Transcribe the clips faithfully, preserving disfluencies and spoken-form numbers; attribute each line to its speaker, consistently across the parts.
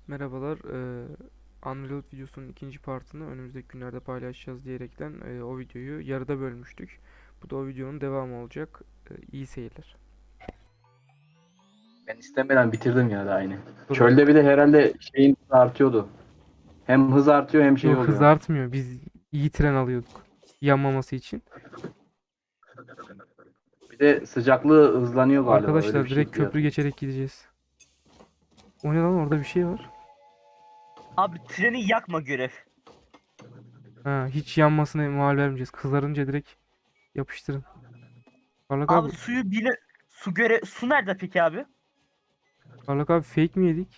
Speaker 1: Merhabalar. eee Unreal videosunun ikinci partını önümüzdeki günlerde paylaşacağız diyerekten eee, o videoyu yarıda bölmüştük. Bu da o videonun devamı olacak. Eee, iyi seyirler.
Speaker 2: Ben istemeden bitirdim ya da aynı.
Speaker 1: Sorun
Speaker 2: Çölde
Speaker 1: yok.
Speaker 2: bir de herhalde şeyin hızı artıyordu. Hem hız artıyor hem şey
Speaker 1: Yok, hız
Speaker 2: oluyor.
Speaker 1: artmıyor. Biz iyi tren alıyorduk. Yanmaması için.
Speaker 2: Bir de sıcaklığı hızlanıyor galiba. Öyle bir
Speaker 1: Arkadaşlar direkt
Speaker 2: şey diye
Speaker 1: köprü
Speaker 2: hatırlıyorum.
Speaker 1: geçerek gideceğiz. O ne lan, orada bir şey var.
Speaker 3: Abi treni yakma görev.
Speaker 1: Ha, hiç yanmasına mal vermeyeceğiz. Kızarınca direkt yapıştırın. Parlak abi.
Speaker 3: Abi suyu bile su göre su nerede peki abi?
Speaker 1: Parlak abi, fake mi yedik?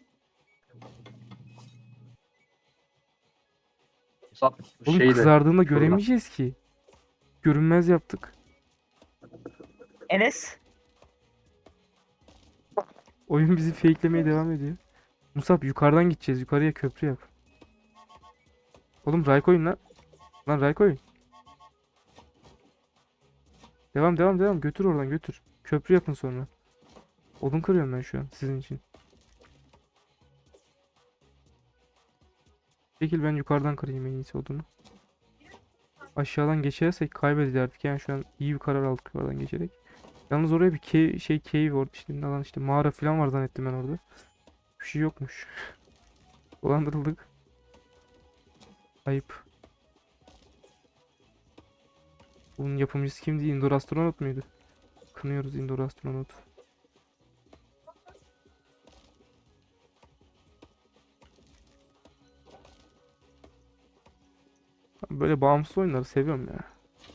Speaker 2: Musab
Speaker 1: Oğlum
Speaker 2: şeyle
Speaker 1: kızardığında
Speaker 2: şuradan.
Speaker 1: göremeyeceğiz ki. Görünmez yaptık.
Speaker 3: Enes
Speaker 1: Oyun bizi fakelemeye devam ediyor. Musab, yukarıdan gideceğiz. Yukarıya köprü yap. Oğlum Raycoin lan. Lan Raycoin. Devam devam devam. Götür oradan götür. Köprü yapın sonra. Odun kırıyorum ben şu an sizin için. Çekil, ben yukarıdan kırayım en iyisi odunu. Aşağıdan geçersek kaybederdik. Yani şu an iyi bir karar aldık oradan geçerek. Yalnız oraya bir cave, şey cave orada işte, ne lan işte mağara falan var zannettim ben orada. Bir şey yokmuş. Dolandırıldık. Ayıp. Bunun yapımcısı kimdi? Indoor astronot muydu? Kınıyoruz Indoor astronot. Ben böyle bağımsız oyunları seviyorum ya.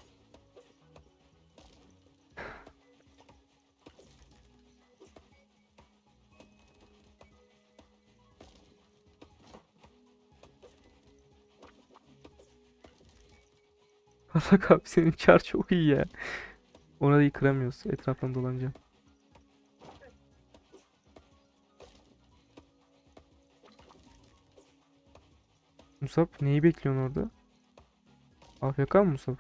Speaker 1: Hasak abi, senin çar çok iyi ya. Ona da kıramıyoruz. Etraftan dolanacağım. Musab, neyi bekliyorsun orada? A F K mı Musab?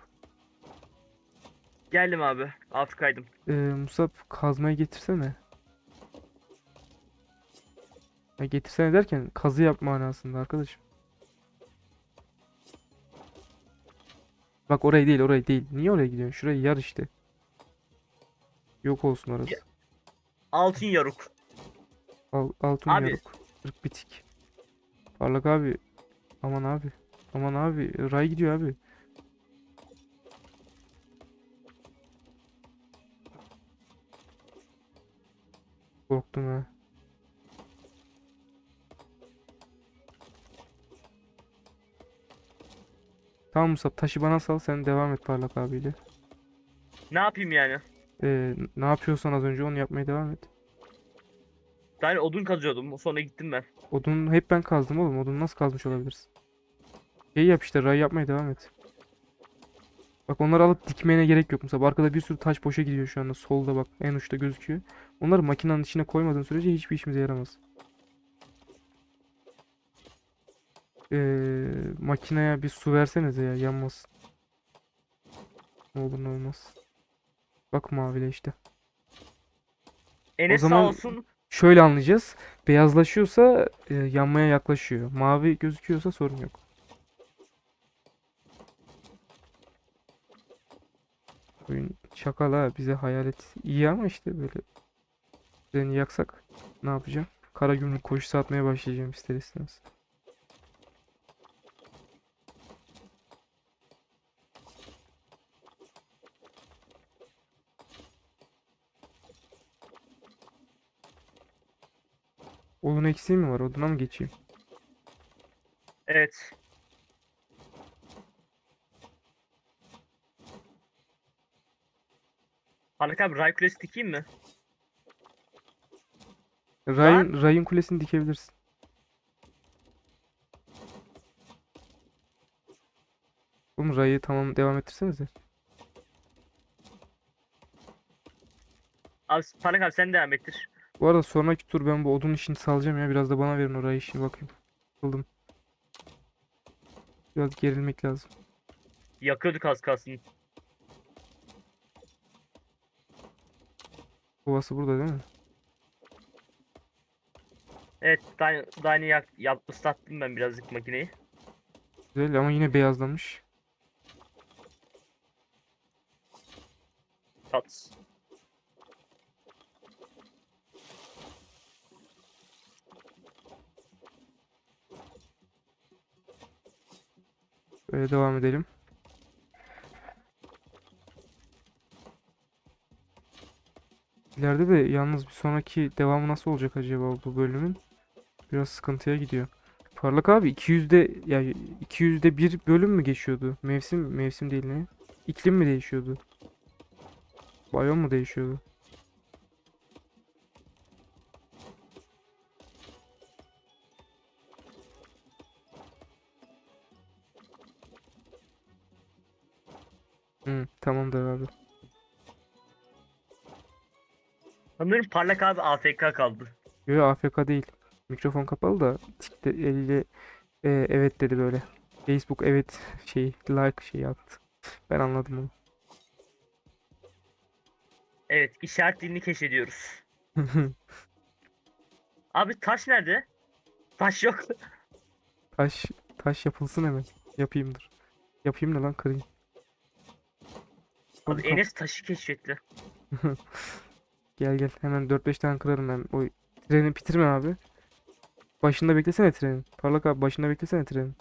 Speaker 3: geldim abi. Alt kaydım.
Speaker 1: Ee, Musab, kazmayı getirsene. Ya getirsene derken kazı yapma manasında arkadaşım. Bak, orayı değil, orayı değil. Niye oraya gidiyorsun? Şurayı yar işte. Yok olsun
Speaker 3: Ya-
Speaker 1: orası.
Speaker 3: Altın yaruk.
Speaker 1: Al, altın
Speaker 3: Abi
Speaker 1: yaruk. Kırık bitik. Parlak abi. Aman abi. Aman abi. Ray gidiyor abi. Korktum ha. Tamam Musab, taşı bana sal, sen devam et Parlak abiyle.
Speaker 3: ne yapayım yani?
Speaker 1: Ee, ne yapıyorsan az önce onu yapmaya devam et.
Speaker 3: Ben odun kazıyordum. Sonra gittim ben.
Speaker 1: Odun hep ben kazdım oğlum. Odunu nasıl kazmış olabilirsin? Şey yap işte, ray yapmaya devam et. Bak, onları alıp dikmene gerek yok. Mesela arkada bir sürü taş boşa gidiyor şu anda. Solda bak, en uçta gözüküyor. Onları makinenin içine koymadığın sürece hiçbir işimize yaramaz. Ee, makineye bir su versenize ya, yanmasın. Ne olur ne olmaz. Bak mavile işte. O
Speaker 3: Enes sağ
Speaker 1: zaman
Speaker 3: olsun.
Speaker 1: şöyle anlayacağız. Beyazlaşıyorsa e, yanmaya yaklaşıyor. Mavi gözüküyorsa sorun yok. Oyun şakala, bize hayalet iyi ama işte böyle treni yaksak ne yapacağım? Kara gümrük koşusu atmaya başlayacağım ister istemez. Odun eksiği mi var? Oduna mı geçeyim?
Speaker 3: Evet. Haluk abi ray kulesi dikeyim mi? Lan
Speaker 1: Ray'ın Ray'ın kulesini dikebilirsin. Oğlum Ray'ı tamam, devam ettirsenize.
Speaker 3: abi Haluk abi sen devam ettir.
Speaker 1: Bu arada sonraki tur ben bu odun işini salacağım ya. Biraz da bana verin o Ray işini, bakayım. Buldum. Biraz gerilmek lazım.
Speaker 3: Yakıyorduk az kalsın.
Speaker 1: Kovası burada değil mi?
Speaker 3: Evet, daha, daha yeni yak, yap, ıslattım ben birazcık makineyi.
Speaker 1: Güzel ama yine beyazlamış.
Speaker 3: Tat.
Speaker 1: Böyle devam edelim. İleride de yalnız bir sonraki devamı nasıl olacak acaba bu bölümün? Biraz sıkıntıya gidiyor. Parlak abi iki yüzde ya iki yüzde bir bölüm mü geçiyordu? Mevsim mevsim değil ne? İklim mi değişiyordu? Biyom mu değişiyordu? Hı, tamamdır abi.
Speaker 3: Sanırım Parlak abi A F K kaldı.
Speaker 1: Yo A F K değil. Mikrofon kapalı da tikte eliyle e, evet dedi böyle. Facebook evet şey like şey attı. Ben anladım
Speaker 3: Evet, işaret dilini keşfediyoruz.
Speaker 1: onu.
Speaker 3: Abi taş nerede? Taş yok.
Speaker 1: Taş taş yapılsın hemen. Yapayım dur. Yapayım ne lan kırayım.
Speaker 3: Abi
Speaker 1: Hop, kap-
Speaker 3: Enes taşı keşfetti.
Speaker 1: Gel gel hemen dört beş tane kırarım ben. O treni bitirme abi. Başında beklesene trenin. Parlak abi başında beklesene trenin.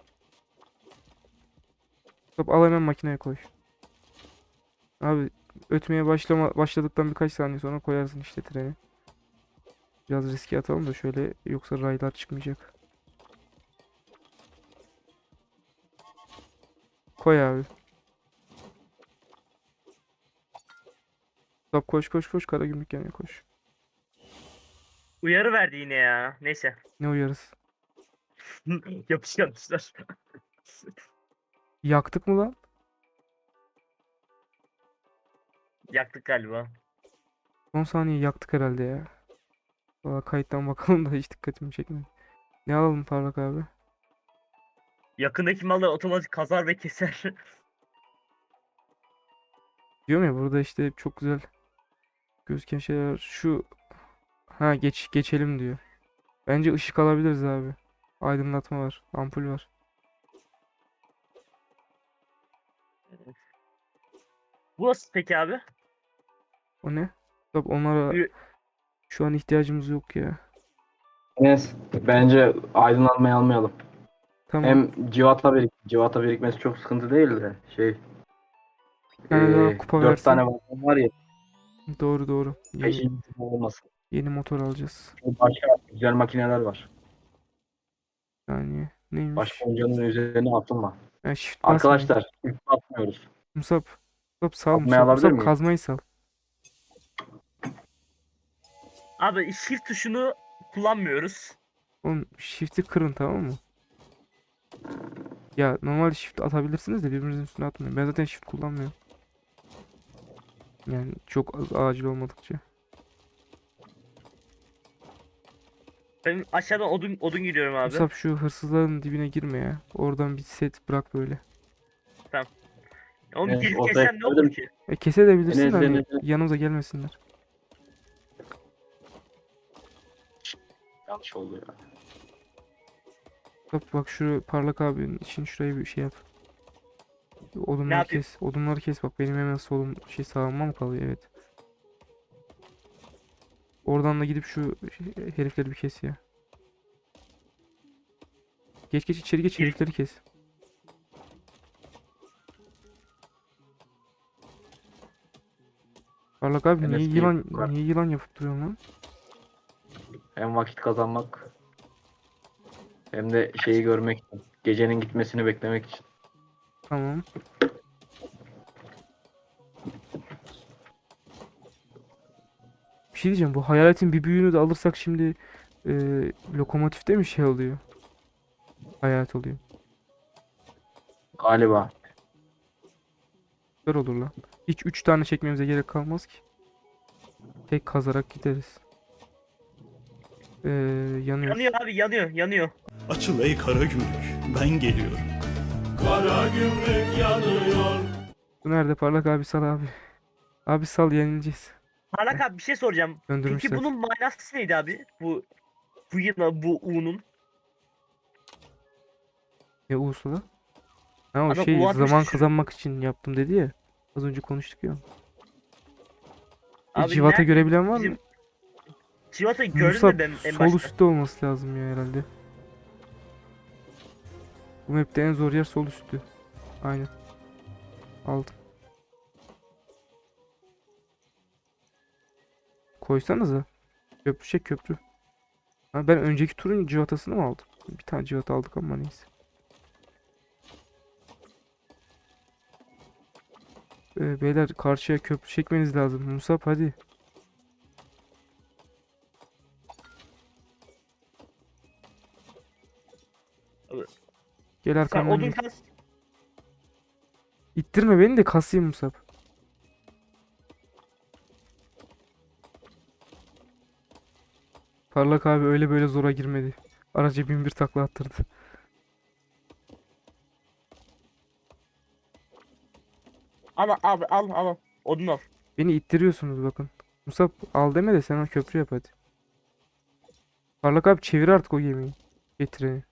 Speaker 1: Hop al hemen makineye koy. Abi ötmeye başlama başladıktan birkaç saniye sonra koyarsın işte treni. Biraz riske atalım da şöyle yoksa raylar çıkmayacak. Koy abi. Stop koş koş koş Karagümrük yanına koş.
Speaker 3: Uyarı verdi yine ya. Neyse.
Speaker 1: Ne uyarız?
Speaker 3: Yapışkanmışlar.
Speaker 1: Yaktık mı lan?
Speaker 3: Yaktık galiba.
Speaker 1: on saniye yaktık herhalde ya. Valla kayıttan bakalım da hiç dikkatimi çekmedi. Ne alalım Parlak abi?
Speaker 3: Yakındaki mallar otomatik kazar ve keser.
Speaker 1: Diyorum ya burada işte çok güzel gözüken şeyler. Şu ha geç geçelim diyor. Bence ışık alabiliriz abi. Aydınlatma var. Ampul var.
Speaker 3: Bu nasıl peki abi?
Speaker 1: O ne? Tabii onlara
Speaker 3: Ü-
Speaker 1: şu an ihtiyacımız yok ya.
Speaker 2: Enes, bence aydınlanmayı almayalım.
Speaker 1: Tamam.
Speaker 2: Hem civata birik civata birikmesi çok sıkıntı değil de şey
Speaker 1: Bir tane daha
Speaker 2: ee,
Speaker 1: kupa
Speaker 2: dört tane
Speaker 1: versen.
Speaker 2: vagon var ya,
Speaker 1: Doğru doğru. Yeni
Speaker 2: peşin olmasın.
Speaker 1: yeni motor alacağız.
Speaker 2: Çünkü başka güzel makineler var.
Speaker 1: Yani
Speaker 2: Başka
Speaker 1: neymiş?
Speaker 2: oyuncunun üzerine atılma.
Speaker 1: Ha, shift basmayın.
Speaker 2: Arkadaşlar ilk atmıyoruz.
Speaker 1: Musab. Musab sal
Speaker 2: Atmayı
Speaker 1: Musab.
Speaker 2: alabilir
Speaker 1: Musab
Speaker 2: miyim?
Speaker 1: kazmayı sal.
Speaker 3: Abi shift tuşunu kullanmıyoruz.
Speaker 1: Oğlum shift'i kırın tamam mı? Ya normal shift atabilirsiniz de birbirinizin üstüne atmayın. Ben zaten shift kullanmıyorum. Yani çok az acil olmadıkça.
Speaker 3: Ben aşağıdan odun odun gidiyorum abi.
Speaker 1: Musab şu hırsızların dibine girme ya. Oradan bir set bırak böyle.
Speaker 3: Onu
Speaker 2: Enes,
Speaker 3: girip
Speaker 2: ortaya
Speaker 3: kessem ne
Speaker 2: koydum.
Speaker 3: olur ki?
Speaker 1: E kesebilirsin de
Speaker 2: Enes,
Speaker 1: hani
Speaker 2: Enes, Enes.
Speaker 1: yanımıza gelmesinler.
Speaker 2: Yanlış oldu ya.
Speaker 1: Bak bak şu parlak abinin için şurayı bir şey yap.
Speaker 3: Ne
Speaker 1: Odunları
Speaker 3: yapayım?
Speaker 1: kes. Odunları kes bak benim hemen solum şey sağıma mı kalıyor evet. Oradan da gidip şu şey- herifleri bir kes ya. Geç geç içeri geç
Speaker 3: Gir.
Speaker 1: herifleri kes. Parlak abi niye
Speaker 2: Enes bir
Speaker 1: yılan
Speaker 2: yukarı.
Speaker 1: niye yılan yapıp duruyorsun lan?
Speaker 2: Hem vakit kazanmak hem de şeyi görmek için. Gecenin gitmesini beklemek için.
Speaker 1: Tamam. Bir şey diyeceğim bu hayaletin bir büyüğünü de alırsak şimdi e, lokomotifte mi şey oluyor? Hayalet oluyor.
Speaker 2: Galiba.
Speaker 1: Süper olur lan. Hiç üç tane çekmemize gerek kalmaz ki. Tek kazarak gideriz. Ee, yanıyor.
Speaker 3: Yanıyor abi yanıyor yanıyor.
Speaker 4: Açıl ey kara gümrük, ben geliyorum. Kara gümrük yanıyor.
Speaker 1: Bu nerede parlak abi sal abi. Abi sal yenileceğiz.
Speaker 3: Parlak abi bir şey soracağım.
Speaker 1: Döndürmüş
Speaker 3: Peki
Speaker 1: zaten.
Speaker 3: bunun manası neydi abi? Bu Bu yine bu U'nun.
Speaker 1: Ya Ursula? Ha o
Speaker 3: Adam
Speaker 1: şey
Speaker 3: U atmış
Speaker 1: zaman
Speaker 3: düşürüyor.
Speaker 1: kazanmak için yaptım dedi ya. Az önce konuştuk ya. E,
Speaker 3: Abi
Speaker 1: Civat'a
Speaker 3: nerede
Speaker 1: görebilen var mı?
Speaker 3: bizim Civata'yı gördüm
Speaker 1: Musab
Speaker 3: de ben en
Speaker 1: sol
Speaker 3: başta.
Speaker 1: üstte olması lazım ya herhalde. Bu map'te en zor yer sol üstü. Aynen. Aldım. Koysanıza. Köprü şey köprü. Ha, ben önceki turun civatasını mı aldım? Bir tane civata aldık ama neyse. Ee, beyler karşıya köprü çekmeniz lazım. Musab hadi.
Speaker 3: Abi,
Speaker 1: Gel
Speaker 3: Sen
Speaker 1: arkamdan
Speaker 3: odun
Speaker 1: gel.
Speaker 3: kas.
Speaker 1: İttirme beni de kasayım Musab. Parlak abi öyle böyle zora girmedi. Araca bin bir takla attırdı.
Speaker 3: Al abi al al. Odun al.
Speaker 1: Beni ittiriyorsunuz bakın. Musab al deme de sen o köprü yap hadi. Parlak abi çevir artık o gemiyi. Getireni.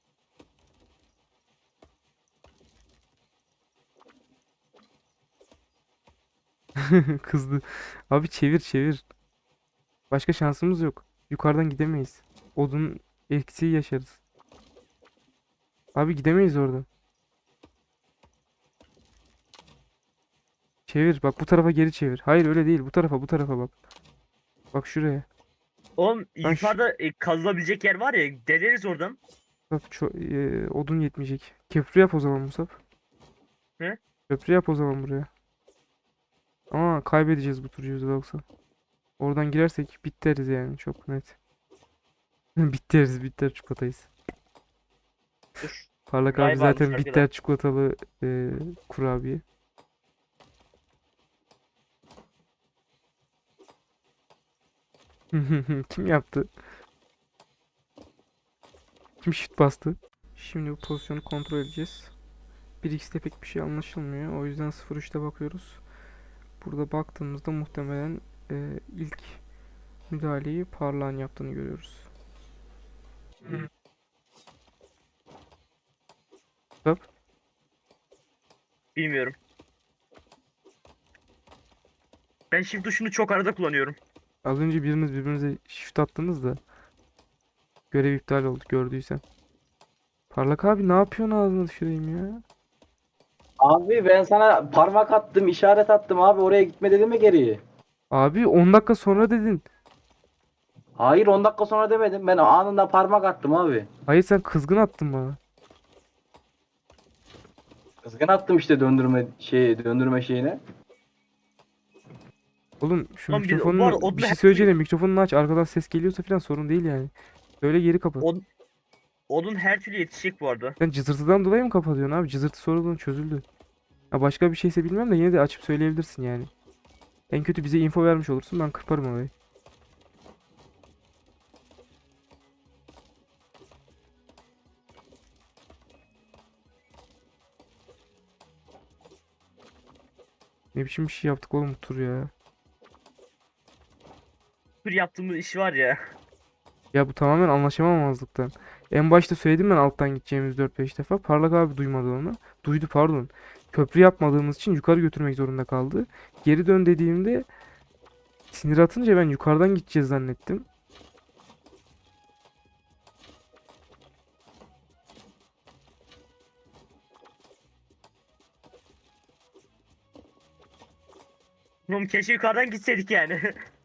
Speaker 1: Kızdı. Abi çevir çevir. Başka şansımız yok. Yukarıdan gidemeyiz. Odun eksiği yaşarız. Abi gidemeyiz oradan. Çevir bak bu tarafa geri çevir. Hayır öyle değil bu tarafa bu tarafa bak. Bak şuraya.
Speaker 3: Oğlum
Speaker 1: Ben şu-
Speaker 3: yukarıda e, kazılabilecek yer var ya. Deleriz oradan.
Speaker 1: Musab, ço- e, odun yetmeyecek. Köprü yap o zaman Musab.
Speaker 3: Ne?
Speaker 1: Köprü yap o zaman buraya. Ama kaybedeceğiz bu turu yüzde doksan. Oradan girersek biteriz yani çok net. Biteriz bitter çikolatayız.
Speaker 3: Dur.
Speaker 1: Parlak abi
Speaker 3: Galiba
Speaker 1: zaten
Speaker 3: almışlar
Speaker 1: bitter çikolatalı e, kurabiye. Kim yaptı? Kim shift bastı? Şimdi bu pozisyonu kontrol edeceğiz. bir x'te pek bir şey anlaşılmıyor. O yüzden sıfır üçte bakıyoruz. Burada baktığımızda muhtemelen e, ilk müdahaleyi Parlağın yaptığını görüyoruz. Stop.
Speaker 3: Bilmiyorum. Ben shift tuşunu çok arada kullanıyorum.
Speaker 1: Az önce biriniz birbirinize shift attınız da görev iptal oldu gördüysen. Parlak abi ne yapıyorsun ağzına düşüreyim ya?
Speaker 2: Abi ben sana parmak attım, işaret attım abi, oraya gitme dedim mi geriye?
Speaker 1: Abi on dakika sonra dedin.
Speaker 2: Hayır, on dakika sonra demedim. Ben anında parmak attım abi.
Speaker 1: Hayır sen kızgın attın bana.
Speaker 2: Kızgın attım işte döndürme şey döndürme şeyine.
Speaker 1: Oğlum şu
Speaker 3: Lan bir- bu arada
Speaker 1: mikrofonunu
Speaker 3: odun
Speaker 1: bir şey
Speaker 3: her
Speaker 1: söyleyeceğim de
Speaker 3: türlü-
Speaker 1: mikrofonunu aç arkadan ses geliyorsa falan sorun değil yani. Böyle geri kapat.
Speaker 3: Od- Odun her türlü yetişecek bu arada.
Speaker 1: Sen cızırtıdan dolayı mı kapatıyorsun abi? Cızırtı sorunun çözüldü. Ha başka bir şeyse bilmem de yine de açıp söyleyebilirsin yani. En kötü bize info vermiş olursun ben kırparım orayı. Ne biçim bir şey yaptık oğlum bu tur ya.
Speaker 3: Tür yaptığımız iş var ya.
Speaker 1: Ya bu tamamen anlaşamamazlıktan. En başta söyledim ben alttan gideceğimiz dört beş defa. Parlak abi duymadı onu. Duydu pardon. Köprü yapmadığımız için yukarı götürmek zorunda kaldı. Geri dön dediğimde sinir atınca ben yukarıdan gideceğiz zannettim.
Speaker 3: Oğlum keşke yukarıdan gitseydik yani.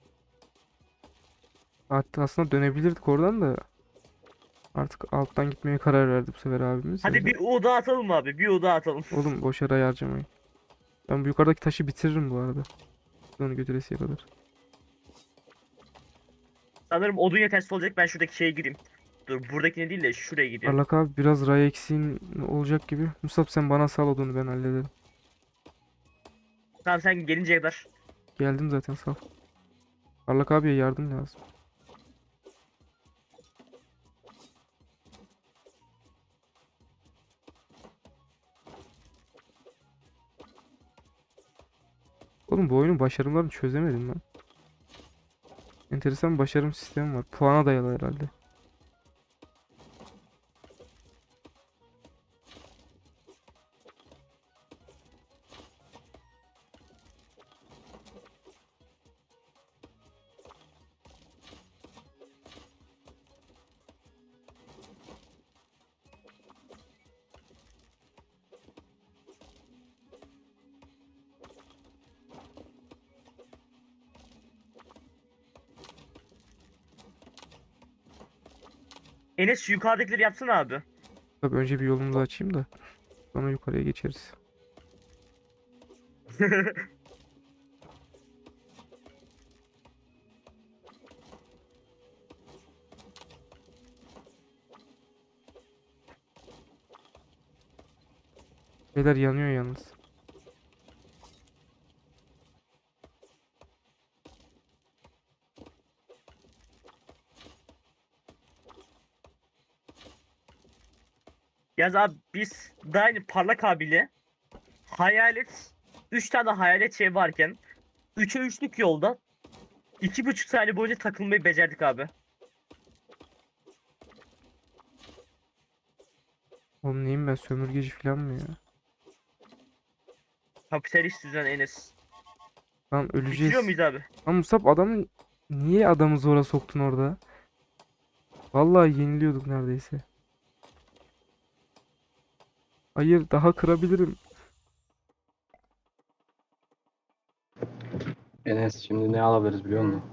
Speaker 1: Hatta aslında dönebilirdik oradan da. Artık alttan gitmeye karar verdi bu sefer abimiz. O
Speaker 3: Hadi
Speaker 1: yüzden-
Speaker 3: bir U daha atalım abi. Bir U daha atalım.
Speaker 1: Oğlum boş yere harcamayın. Ben bu yukarıdaki taşı bitiririm bu arada. Onu götüresiye kadar.
Speaker 3: Sanırım odun yetersiz olacak. Ben şuradaki şeye gireyim. Dur buradakine değil de şuraya gideyim.
Speaker 1: Parlak abi biraz ray eksiğin olacak gibi. Musab sen bana sal odunu ben hallederim.
Speaker 3: Tamam sen gelinceye kadar.
Speaker 1: Geldim zaten sal. Parlak abiye yardım lazım. Oğlum bu oyunun başarımlarını çözemedim ben. Enteresan bir başarım sistemi var. Puana dayalı herhalde.
Speaker 3: Enes şu yukarıdakileri yapsana abi.
Speaker 1: Tabii önce bir yolumuzu açayım da sonra yukarıya geçeriz. Beyler yanıyor yalnız.
Speaker 3: Yaz abi biz daha yeni parlak abiyle hayalet üç tane hayalet şey varken üçe üçlük yolda iki buçuk saniye boyunca takılmayı becerdik abi.
Speaker 1: Oğlum neyim ben, sömürgeci falan mı ya?
Speaker 3: Kapitalist düzen Enes.
Speaker 1: Lan öleceğiz.
Speaker 3: Bitiriyor muyuz abi?
Speaker 1: Lan Musab, adamı niye adamı zora soktun orada? Vallahi yeniliyorduk neredeyse. Hayır, daha kırabilirim.
Speaker 2: Enes şimdi ne alabiliriz biliyor musun?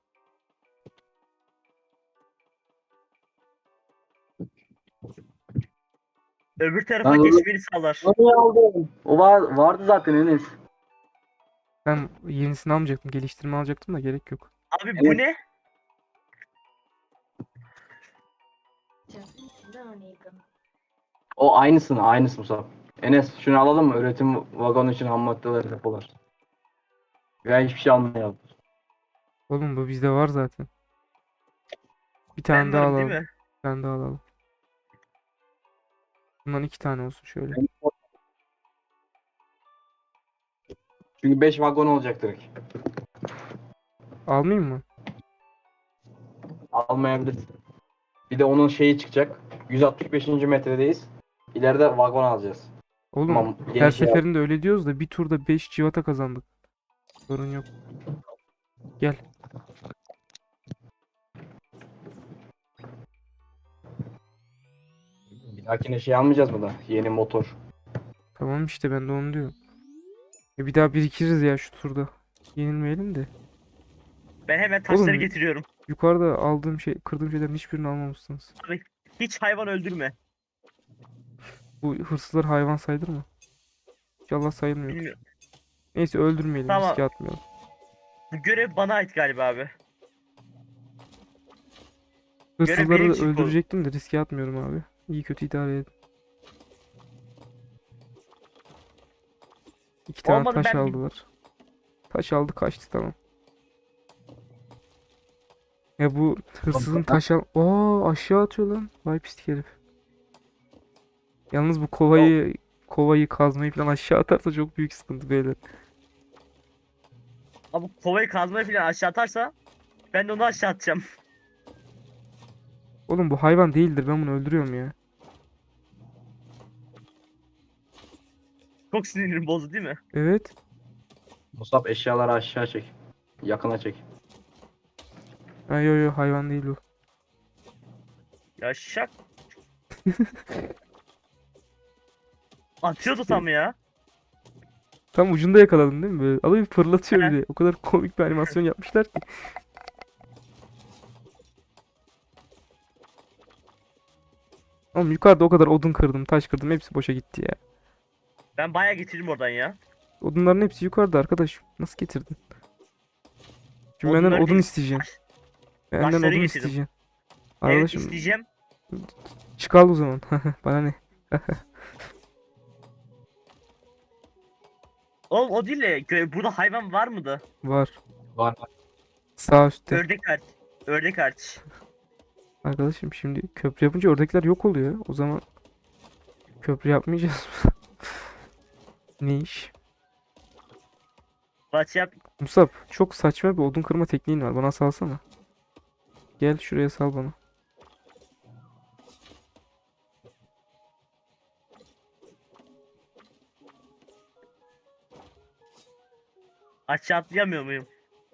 Speaker 3: Öbür tarafa
Speaker 2: Lan oğlum.
Speaker 3: geçmeni sağlar.
Speaker 2: Onu aldım. O var, vardı zaten Enes.
Speaker 1: Ben yenisini almayacaktım. Geliştirme alacaktım da gerek yok.
Speaker 3: Abi bu
Speaker 2: Evet.
Speaker 3: ne?
Speaker 2: O aynısını, aynısı Musab. Enes şunu alalım mı? Üretim vagonu için ham maddeler depolar. Ben hiçbir şey almayalım.
Speaker 1: Oğlum bu bizde var zaten. Bir tane
Speaker 3: Ben
Speaker 1: daha
Speaker 3: varım
Speaker 1: alalım.
Speaker 3: değil mi?
Speaker 1: Bir tane daha alalım. Bundan iki tane olsun şöyle.
Speaker 2: Çünkü beş vagon olacak direkt.
Speaker 1: Almayayım mı?
Speaker 2: Almayabiliriz. Bir de onun şeyi çıkacak. yüz altmış beşinci metredeyiz. İleride vagon alacağız.
Speaker 1: Oğlum
Speaker 2: Tamam,
Speaker 1: her
Speaker 2: yeni şey
Speaker 1: seferinde öyle diyoruz da bir turda beş civata kazandık. Sorun yok. Gel.
Speaker 2: Bir dahakine şey almayacağız mı da? Yeni motor.
Speaker 1: Tamam işte, ben de onu diyorum. E bir daha birikiriz ya şu turda. Yenilmeyelim de.
Speaker 3: Ben hemen taşları
Speaker 1: Oğlum.
Speaker 3: getiriyorum.
Speaker 1: Yukarıda aldığım şey, kırdığım şeylerin hiçbirini almamışsınız.
Speaker 3: Abi hiç hayvan öldürme.
Speaker 1: Bu hırsızlar hayvan sayılır mı? İnşallah sayılmıyor.
Speaker 3: Bilmiyorum.
Speaker 1: Neyse öldürmeyelim,
Speaker 3: Tamam.
Speaker 1: riske atmayalım.
Speaker 3: Bu görev bana ait galiba abi. Görev
Speaker 1: Hırsızları
Speaker 3: benim
Speaker 1: da
Speaker 3: için kol-
Speaker 1: öldürecektim de riske atmıyorum abi. İyi kötü idare edin. İki tane
Speaker 3: Olmadı,
Speaker 1: taş
Speaker 3: ben bir-
Speaker 1: aldılar. Taş aldı kaçtı, tamam. Ya bu hırsızın taş al... Oo, aşağı atıyor lan. Vay pislik herif. Yalnız bu kovayı kovayı kazmayı falan aşağı atarsa çok büyük sıkıntı beyler.
Speaker 3: Abi kovayı kazmayı falan aşağı atarsa ben de onu aşağı atacağım.
Speaker 1: Oğlum bu hayvan değildir, ben bunu öldürüyorum ya.
Speaker 3: Çok sinirim bozdu değil mi?
Speaker 1: Evet.
Speaker 2: Musab eşyaları aşağı çek. Yakına çek.
Speaker 1: Ha, yo yo, hayvan değil bu.
Speaker 3: Ya şak. Atıyordu tam ya.
Speaker 1: Tam ucunda yakaladın değil mi? Böyle alayı fırlatıyor
Speaker 3: Aha.
Speaker 1: bir de. O kadar komik bir animasyon yapmışlar ki. Oğlum yukarıda o kadar odun kırdım, taş kırdım, hepsi boşa gitti ya.
Speaker 3: Ben bayağı getirdim oradan ya.
Speaker 1: Odunların hepsi yukarıda arkadaş. Nasıl getirdin? Şimdi benden
Speaker 3: Odunları
Speaker 1: odun
Speaker 3: değil,
Speaker 1: isteyeceksin.
Speaker 3: taş-
Speaker 1: Benden
Speaker 3: taşları
Speaker 1: odun
Speaker 3: getirdim.
Speaker 1: isteyeceksin.
Speaker 3: Evet
Speaker 1: Arkadaşım
Speaker 3: isteyeceğim.
Speaker 1: çık al o zaman. Bana ne?
Speaker 3: Oğlum o değil de gö- burada hayvan var mıydı?
Speaker 1: Var.
Speaker 2: Var.
Speaker 1: Sağ üstte.
Speaker 3: Ördek hariç. Ördek hariç.
Speaker 1: Arkadaşım şimdi köprü yapınca ördekler yok oluyor. O zaman köprü yapmayacağız mı? Ne iş?
Speaker 3: Baş yap.
Speaker 1: Musab, çok saçma bir odun kırma tekniğin var. Bana salsana. Gel şuraya sal bana.
Speaker 3: Aşağı atlayamıyor muyum?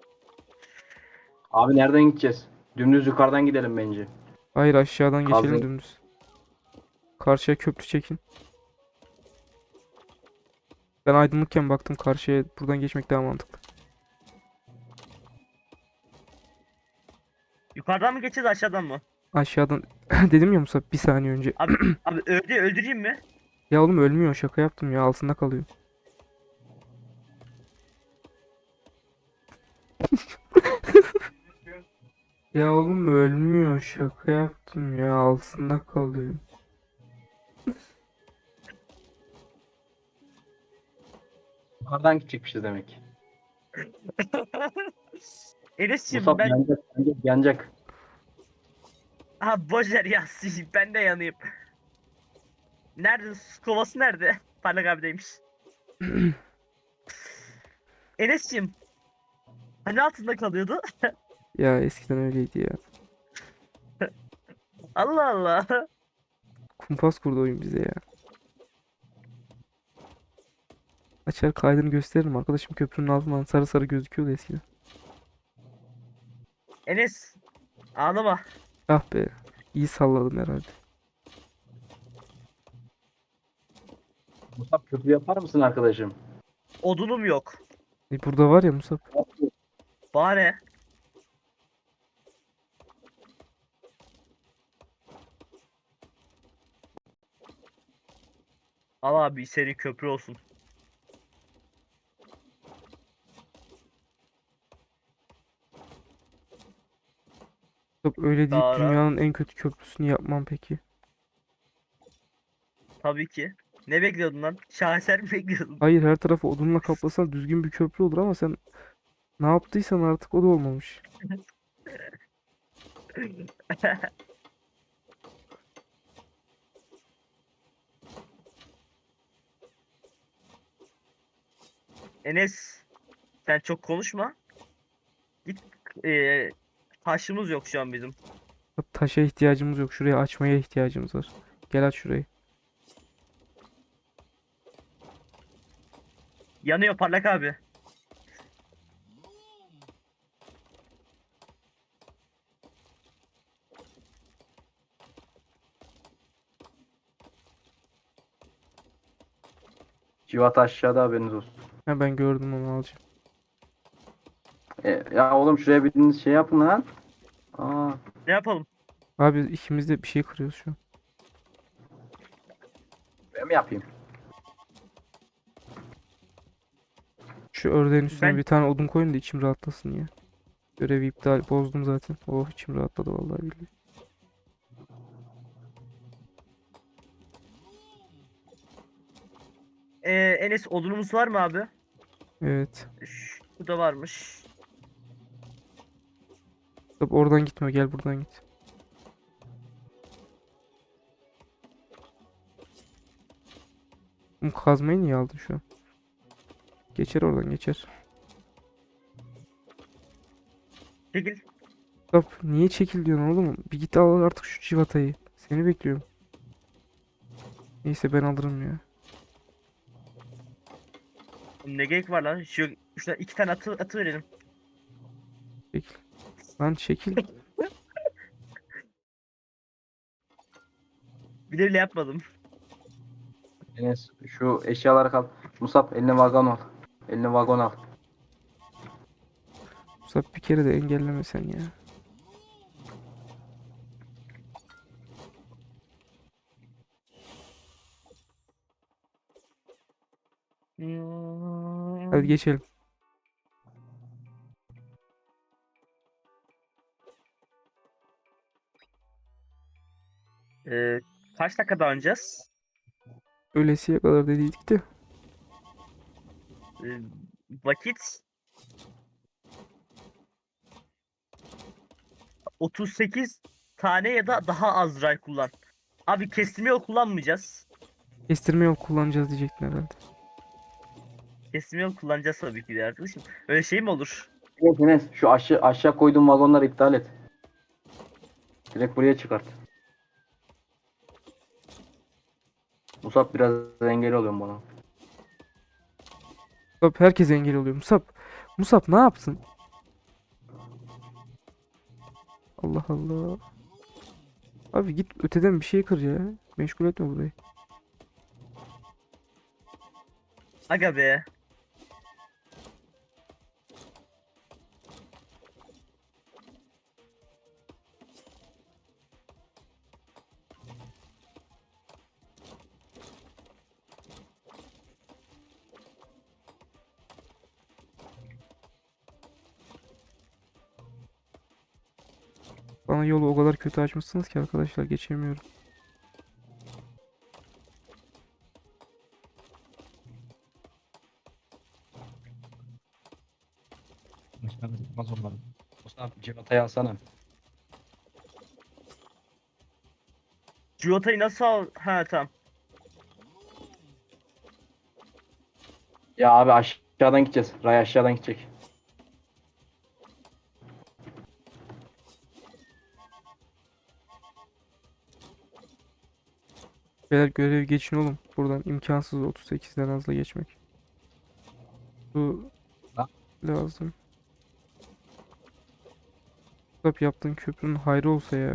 Speaker 2: Abi nereden gideceğiz? Dümdüz yukarıdan gidelim bence.
Speaker 1: Hayır, aşağıdan geçelim
Speaker 2: Kazmayı-
Speaker 1: dümdüz. Karşıya köprü çekin. Ben aydınlıkken baktım karşıya, buradan geçmek daha mantıklı.
Speaker 3: Yukarıdan mı geçeceğiz aşağıdan mı?
Speaker 1: Aşağıdan dedim ya Musab bir saniye önce.
Speaker 3: Abi abi öldü öldüreyim mi?
Speaker 1: Ya oğlum ölmüyor, şaka yaptım ya, altında kalıyor. Ya oğlum ölmüyor, şaka yaptım ya, altında kalıyor.
Speaker 2: Yukarıdan gidecekmişiz demek.
Speaker 3: Enes'ciğim
Speaker 2: Musab
Speaker 3: ben
Speaker 2: yanacak, yanacak, yanacak.
Speaker 3: ha boşver ya ben de yanayım. Nerede? Su kovası nerede? Parlak abideymiş. Enes'ciğim hani altında kalıyordu?
Speaker 1: Ya eskiden öyleydi ya.
Speaker 3: Allah Allah.
Speaker 1: Kumpas kurdu oyun bize ya. Açar kaydını gösteririm arkadaşım, köprünün altından sarı sarı gözüküyordu eskiden.
Speaker 3: Enes ağlama.
Speaker 1: Ah be, iyi salladım herhalde.
Speaker 2: Musab köprü yapar mısın arkadaşım?
Speaker 3: Odunum yok.
Speaker 1: E burada var ya Musab.
Speaker 3: Bari. Al abi seri köprü olsun.
Speaker 1: Musab öyle deyip
Speaker 3: Daha
Speaker 1: dünyanın en kötü köprüsünü yapmam peki.
Speaker 3: tabii ki. Ne bekliyordun lan? Şaheser mi bekliyordun?
Speaker 1: Hayır, her tarafı odunla kaplasan düzgün bir köprü olur ama sen ne yaptıysan artık o da olmamış.
Speaker 3: Enes sen çok konuşma. Git eee taşımız yok şu an bizim.
Speaker 1: Musab, taşa ihtiyacımız yok, şuraya açmaya ihtiyacımız var. Gel aç şurayı.
Speaker 3: Yanıyor parlak abi.
Speaker 2: Civat aşağıda, haberiniz olsun.
Speaker 1: Ha, ben gördüm, onu alacağım.
Speaker 2: E, ya oğlum şuraya biriniz şey yapın lan. Aa,
Speaker 3: Ne yapalım?
Speaker 1: Abi ikimiz de bir şey kırıyoruz şu an.
Speaker 2: ben mi yapayım?
Speaker 1: Şu ördeğin üstüne
Speaker 3: Ben
Speaker 1: bir tane odun koyun da içim rahatlasın ya. Görevi iptal, bozdum zaten. Oh, içim rahatladı vallahi billahi.
Speaker 3: eee Enes odunumuz var mı abi?
Speaker 1: Evet.
Speaker 3: Şu da varmış.
Speaker 1: Musab oradan gitme, gel buradan git. Oğlum kazmayı niye aldın şu an? Geçer oradan, geçer.
Speaker 3: Çekil.
Speaker 1: Musab niye çekil diyorsun oğlum? Bir git al artık şu civatayı. Seni bekliyorum. Neyse ben alırım ya.
Speaker 3: Ne gerek var lan? Şu şuna iki tane atı, atı verelim.
Speaker 1: Çekil. Lan çekil.
Speaker 3: Bir de öyle yapmadım.
Speaker 2: Enes şu eşyaları kal. Musab eline vagon al. Eline vagon al.
Speaker 1: Musab bir kere de engelleme sen ya. Hadi geçelim.
Speaker 3: Ee, kaç dakika oynayacağız?
Speaker 1: Ölesiye kadar dediydik de.
Speaker 3: Ee, vakit otuz sekiz tane ya da daha az ray kullan. Abi kestirme yol kullanmayacağız.
Speaker 1: Kestirme yol kullanacağız diyecektin herhalde.
Speaker 3: Kestirme yol kullanacağız tabii ki de arkadaşım. Öyle şey mi olur?
Speaker 2: Evet Enes şu aşağı, aşağı koyduğum vagonları iptal et. Direkt buraya çıkart. Musab biraz engel oluyorum bana.
Speaker 1: Musab herkes engel oluyor. Musab. Musab ne yapsın? Allah Allah. Abi git öteden bir şey kır ya. Meşgul etme burayı.
Speaker 3: Aga be.
Speaker 1: Bana yolu o kadar kötü açmışsınız ki arkadaşlar geçemiyorum.
Speaker 2: Başkanım tutmaz onları. Mustafa civatayı alsana.
Speaker 3: Ciota'yı nasıl al? Ha tamam.
Speaker 2: Ya abi aşağıdan gideceğiz. Ray aşağıdan gidecek.
Speaker 1: Beyler görev geçin oğlum. Buradan imkansız otuz sekizden hızlı geçmek. Bu
Speaker 2: Ha?
Speaker 1: lazım. Tap yaptığın köprünün hayrı olsa ya.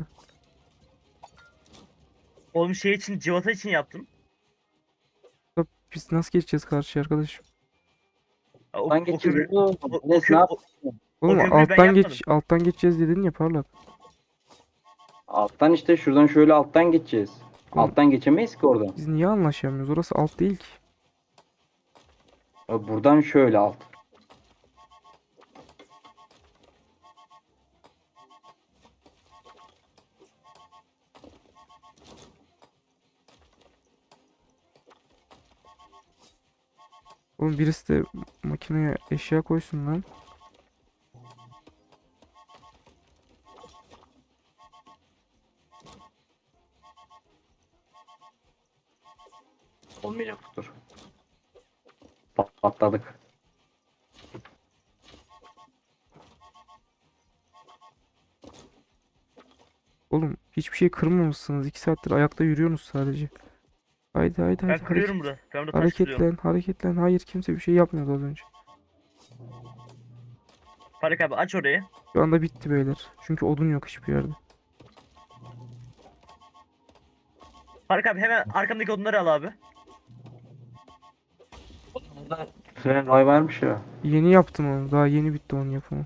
Speaker 3: Oğlum şey için, Civata için yaptım.
Speaker 1: Tap biz nasıl geçeceğiz karşıya arkadaş?
Speaker 3: Ha, O,
Speaker 2: Alttan
Speaker 3: o,
Speaker 2: geçeceğiz
Speaker 3: köprü-
Speaker 2: oğlum.
Speaker 3: o, o,
Speaker 2: Enes
Speaker 3: kö-
Speaker 2: ne
Speaker 3: o,
Speaker 2: yapıyorsun?
Speaker 1: Oğlum
Speaker 3: köprüyü ben
Speaker 1: alttan geç
Speaker 3: yapmadım.
Speaker 1: alttan geçeceğiz dedin ya parlak.
Speaker 2: Alttan işte şuradan şöyle alttan geçeceğiz.
Speaker 1: Oğlum,
Speaker 2: Alttan geçemeyiz ki oradan.
Speaker 1: biz niye anlaşamıyoruz? Orası alt değil ki.
Speaker 2: Ya buradan şöyle alt.
Speaker 1: Oğlum birisi de makineye eşya koysun lan.
Speaker 2: Olmayacak dur. Pat- Patladık.
Speaker 1: Oğlum hiçbir şey kırmamışsınız. iki saattir ayakta yürüyorsunuz sadece. Haydi haydi
Speaker 3: Ben
Speaker 1: haydi
Speaker 3: kırıyorum
Speaker 1: hareket,
Speaker 3: burada. Ben burada taş kırıyorum.
Speaker 1: hareketlen hareketlen. Hayır kimse bir şey yapmıyordu az önce.
Speaker 3: Faruk abi aç orayı.
Speaker 1: Şu anda bitti beyler. Çünkü odun yok hiçbir yerde.
Speaker 3: Faruk abi hemen arkamdaki odunları al abi.
Speaker 2: Burada Fren ray varmış ya.
Speaker 1: Yeni yaptım onu. Daha yeni bitti onun yapımı.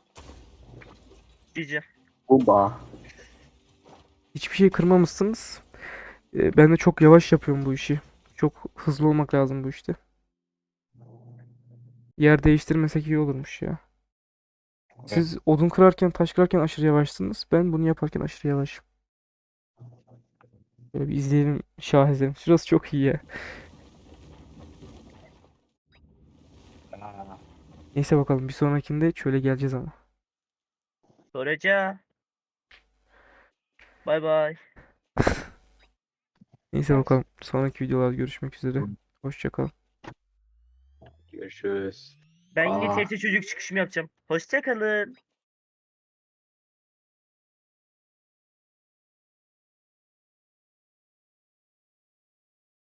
Speaker 3: Cici.
Speaker 2: Bomba.
Speaker 1: Hiçbir şey kırmamışsınız. Ee, ben de çok yavaş yapıyorum bu işi. Çok hızlı olmak lazım bu işte. Yer değiştirmesek iyi olurmuş ya. Siz odun kırarken, taş kırarken aşırı yavaşsınız. Ben bunu yaparken aşırı yavaşım. Böyle bir izleyelim şaheserim. Şurası çok iyi ya.
Speaker 2: Aa,
Speaker 1: Neyse bakalım bir sonrakinde şöyle geleceğiz ama.
Speaker 3: Soraca. Bay bay.
Speaker 1: Neyse bakalım. Sonraki videolarda görüşmek üzere. Hoşça kal.
Speaker 2: Görüşürüz.
Speaker 3: Ben yine
Speaker 2: Aa.
Speaker 3: T R T çocuk çıkışımı yapacağım. Hoşça kalın.